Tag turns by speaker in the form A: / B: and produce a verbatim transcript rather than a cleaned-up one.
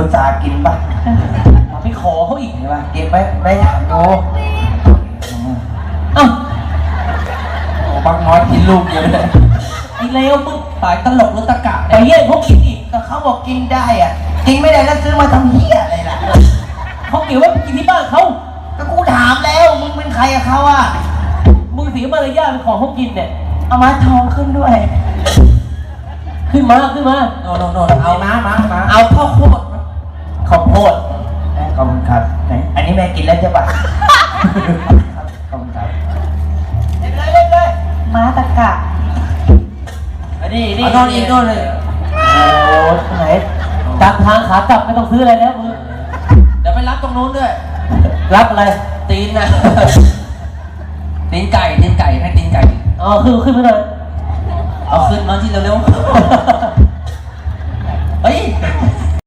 A: ตากินปะ
B: ไปขอเขาอีก
A: เห็นปะกินไหมไม่ถามดู
B: อ้าว
A: โอ้บักน้อยกินลูกเยอะเลย
B: ไอ้เลวมึง
A: สายตลกหรือตะกะ
B: ไปแย่งเขากินอีก
A: แต่เขาบอกกินได้อ่ะกินไม่ได้แล้วซื้อมาทำเหี้ยอะไรล่ะ
B: เขาเกี่ยวว่าไปกินที่บ้านเขา
A: ก็กูถามแล้วมึงเป็นใครกับเขาอ่ะ
B: มึงเสียมารยาทเป็นของเขากินเนี่ย
A: เอามาทองขึ้นด้วย
B: ขึ้นมาขึ้นมา
A: โน่นโน่นโน่นเอามามามาเอาข้าวโพด
B: ข้าวโพด
A: ขอบคุณครับไหนอันนี้แม่กินแล้วใช่ปะขอบคุณครับเล่นเลยเล่นเลยม้าตะกะ
B: อันนี้นี่
A: เอาโน่นอีกโน่นเลยโอ้ไหน
B: จากทางขากลับไม่ต้องซื้ออะไรแล้วมึง
A: เดี๋ยวไปรับตรงนู้นด้วย
B: รับอะไร
A: ตีนนะตีนไก่ตีนไก่ให้ตีนไก่
B: อ๋อขึ้นขึ้นมาเลย
A: เอาขึ้นมาที่เร็วๆเฮ้ย